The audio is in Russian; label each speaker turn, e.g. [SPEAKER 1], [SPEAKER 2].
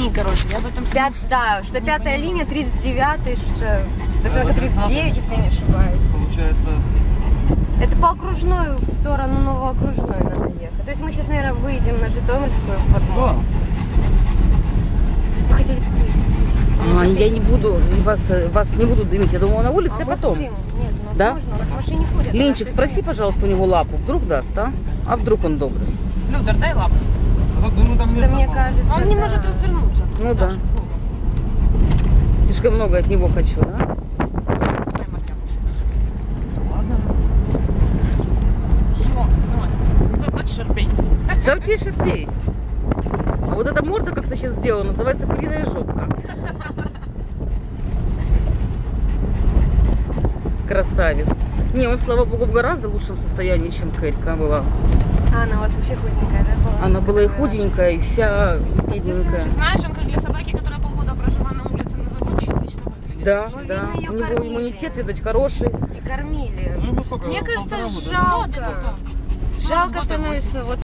[SPEAKER 1] линии, короче. Я об этом
[SPEAKER 2] Да, что 5-я линия, 39-й, что 39, если не ошибаюсь.
[SPEAKER 3] Получается...
[SPEAKER 2] Это по окружной, в сторону Новоокружной надо ехать. То есть мы сейчас, наверное, выйдем на Житомирскую в подмогу. Мы хотели купить.
[SPEAKER 1] Я не буду, вас не буду дымить. Я думала, на улице, а потом.
[SPEAKER 2] Нет, у нас
[SPEAKER 1] Да?
[SPEAKER 2] можно, у нас в машине ходят.
[SPEAKER 1] Ленчик, спроси, пожалуйста, у него лапу. Вдруг даст, а? А вдруг он добрый?
[SPEAKER 4] Людер, дай лапу.
[SPEAKER 3] Ну, там
[SPEAKER 2] Да, мне кажется,
[SPEAKER 4] Он не может развернуться.
[SPEAKER 1] Ну да. Слишком много от него хочу, да?
[SPEAKER 3] Ладно.
[SPEAKER 4] Хочешь шарпей?
[SPEAKER 1] Шарпей, шарпей. А вот эта морда как-то сейчас сделана, называется куриная жопка. Красавец. Не, он, слава богу, в гораздо лучшем состоянии, чем Кэрька была.
[SPEAKER 2] А она у вас вообще худенькая, да, была?
[SPEAKER 1] Она была и худенькая, и вся бедненькая.
[SPEAKER 4] Знаешь, он как для собаки, которая полгода прожила на улице на заводе, отлично выглядит.
[SPEAKER 1] Да,
[SPEAKER 2] Ну,
[SPEAKER 1] да.
[SPEAKER 2] видно, её
[SPEAKER 1] У него
[SPEAKER 2] кормили.
[SPEAKER 1] иммунитет, видать, хороший.
[SPEAKER 2] И кормили.
[SPEAKER 3] Ну, сколько?
[SPEAKER 2] Мне кажется,
[SPEAKER 3] Полтора года, да?
[SPEAKER 2] жалко. Жалко
[SPEAKER 4] Может,
[SPEAKER 2] становится вот